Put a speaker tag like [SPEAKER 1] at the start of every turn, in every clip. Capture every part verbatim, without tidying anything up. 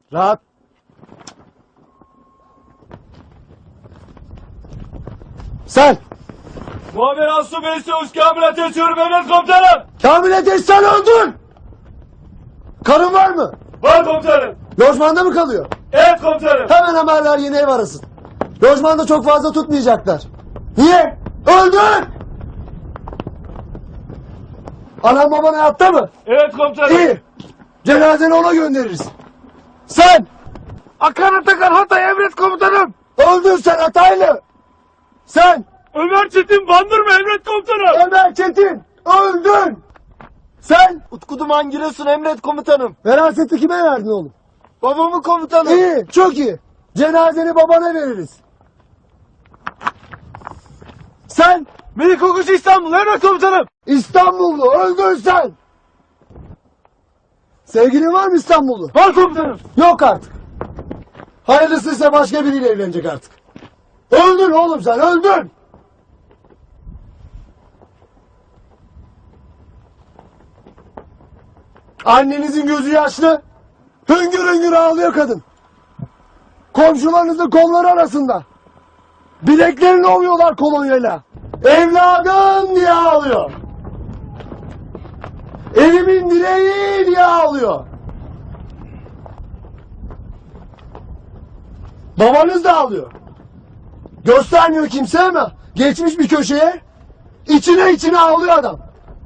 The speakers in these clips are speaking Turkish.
[SPEAKER 1] Rahat. Sen.
[SPEAKER 2] Muhabir Aslı Bey Söğüş Kamil Ateş diyorum emret komutanım.
[SPEAKER 1] Kamil Ateş sen öldün. Karın var mı?
[SPEAKER 2] Var komutanım.
[SPEAKER 1] Lojmanda mı kalıyor?
[SPEAKER 2] Evet komutanım.
[SPEAKER 1] Hemen haberler yeni ev arasın. Lojmanda çok fazla tutmayacaklar. Niye? Öldün! Anam baban hayatta mı?
[SPEAKER 2] Evet komutanım.
[SPEAKER 1] İyi. Cenazeni ona göndeririz. Sen! Akan Atakan Hatay emret komutanım. Öldün sen Hataylı. Sen!
[SPEAKER 2] Ömer Çetin Bandırma emret komutanım.
[SPEAKER 1] Ömer Çetin! Öldün! Sen!
[SPEAKER 3] Utku Duman Giresun emret komutanım.
[SPEAKER 1] Veraseti kime verdin oğlum?
[SPEAKER 3] Babamı komutanım.
[SPEAKER 1] İyi, çok iyi. Cenazeni babana veririz. Sen!
[SPEAKER 2] Melik Okuş İstanbul emret komutanım.
[SPEAKER 1] İstanbullu, öldün sen! Sevgilin var mı İstanbullu?
[SPEAKER 2] Var komutanım.
[SPEAKER 1] Yok artık. Hayırlısıysa başka biriyle evlenecek artık. Öldün oğlum sen, öldün! Annenizin gözü yaşlı, hüngür hüngür ağlıyor kadın. Komşularınızın kolları arasında. Bileklerini ovuyorlar kolonyayla. Evladım diye ağlıyor. Evimin direği diye ağlıyor. Babanız da ağlıyor. Göstermiyor kimse ama geçmiş bir köşeye içine içine ağlıyor adam.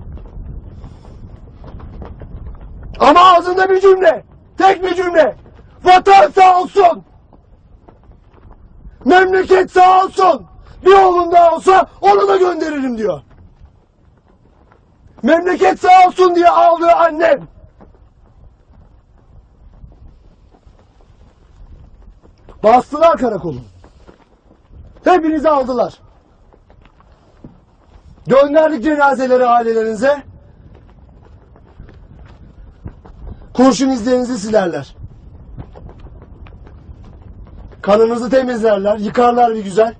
[SPEAKER 1] Ama ağzında bir cümle. Tek bir cümle. Vatan sağ olsun. Memleket sağ olsun. Bir oğlum daha olsa onu da gönderirim diyor. Memleket sağ olsun diye ağlıyor annem. Bastılar karakolu. Hepinizi aldılar. Gönderdik cenazeleri ailelerinize. Kurşun izlerinizi silerler. Kanınızı temizlerler, yıkarlar bir güzel.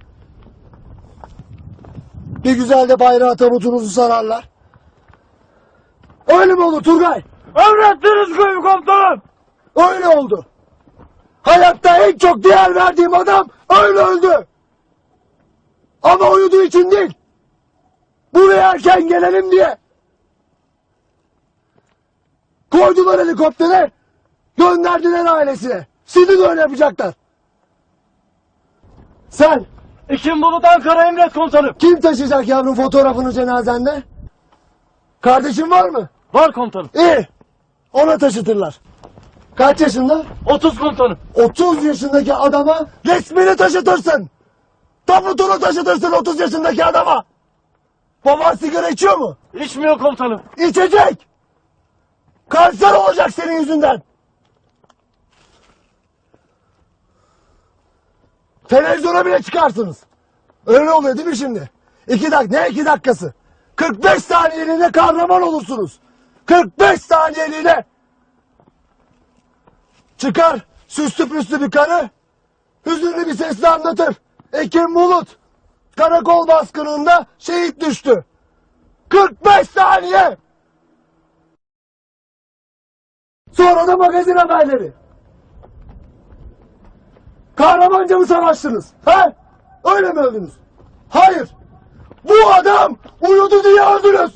[SPEAKER 1] Bir güzel de bayrağı tabutunuzu sararlar. Öyle mi olur Turgay?
[SPEAKER 2] Emrettiniz komutanım.
[SPEAKER 1] Öyle oldu. Hayatta en çok değer verdiğim adam öyle öldü. Ama uyuduğu için değil. Buraya erken gelelim diye. Koydular helikoptere, gönderdiler ailesine. Şimdi de öyle yapacaklar. Sen,
[SPEAKER 2] Ekim Bulut Ankara emret komutanım.
[SPEAKER 1] kim taşıyacak yavrum fotoğrafını cenazende? Kardeşin var mı?
[SPEAKER 2] Var komutanım.
[SPEAKER 1] İyi, ona taşıtırlar. Kaç yaşında?
[SPEAKER 2] otuz komutanım.
[SPEAKER 1] otuz yaşındaki adama resmini taşıtırsın. Tabutunu taşıtırsın otuz yaşındaki adama. Baban sigara içiyor mu?
[SPEAKER 2] İçmiyor komutanım.
[SPEAKER 1] İçecek. Kanser olacak senin yüzünden. Televizyona bile çıkarsınız. Öyle oluyor değil mi şimdi? İki dakika, ne iki dakikası? kırk beş saniyeliğine kahraman olursunuz. kırk beş saniyeliğine. Çıkar süslü püslü bir karı, hüzünlü bir sesle anlatır. Ekim Bulut karakol baskınında şehit düştü. kırk beş saniye. Sonra da magazin haberleri. Kahramanca mı savaştınız? He? Öyle mi öldünüz? Hayır. Bu adam uyudu diye öldünüz.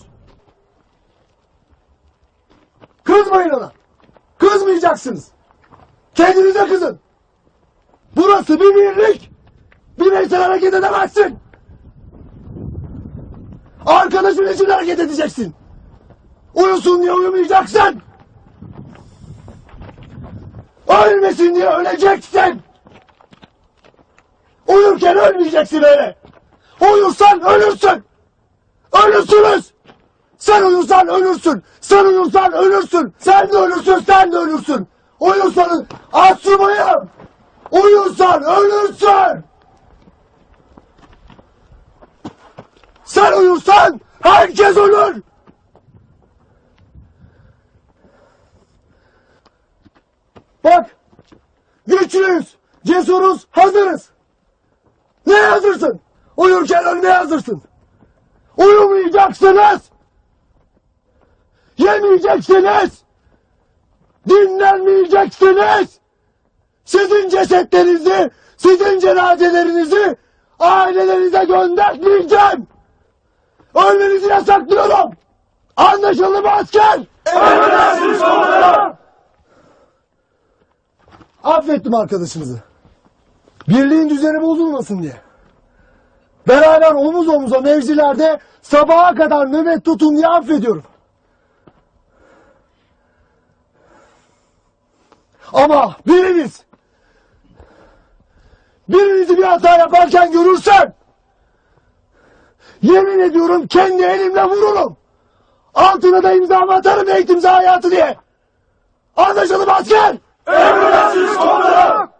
[SPEAKER 1] Kızmayın ona. Kızmayacaksınız. Kendinize kızın. Burası bir birlik. Bireysel hareket edemezsin. Arkadaşın için hareket edeceksin. Uyusun diye uyumayacaksın. Ölmesin diye öleceksin. Uyurken ölmeyeceksin öyle. Uyursan ölürsün. Ölürsünüz. Sen uyursan ölürsün. Sen uyursan ölürsün. Sen de ölürsün, sen de ölürsün. Uyursanız asubayım. Uyursan ölürsün. Sen uyursan herkes ölür. Bak, güçlüyüz, cesuruz, hazırız. Ne hazırsın? Uyurken ölmeye hazırsın. Uyumayacaksınız. Yemeyeceksiniz. dinlenmeyeceksiniz. Sizin cesetlerinizi, sizin cenazelerinizi ailelerinize göndermeyeceğim. Ölmenizi yasaklıyorum. Anlaşıldı mı asker?
[SPEAKER 2] Emredersiniz komutanım.
[SPEAKER 1] Affettim arkadaşınızı. Birliğin düzeni bozulmasın diye. Beraber omuz omuza mevzilerde sabaha kadar nöbet tutun diye affediyorum. Ama biriniz, birinizi bir hata yaparken görürsem, yemin ediyorum kendi elimle vururum. Altına da imzamı atarım eğitim hayatı diye. Anlaşıldı mı asker?
[SPEAKER 2] Emredersiniz komutanım.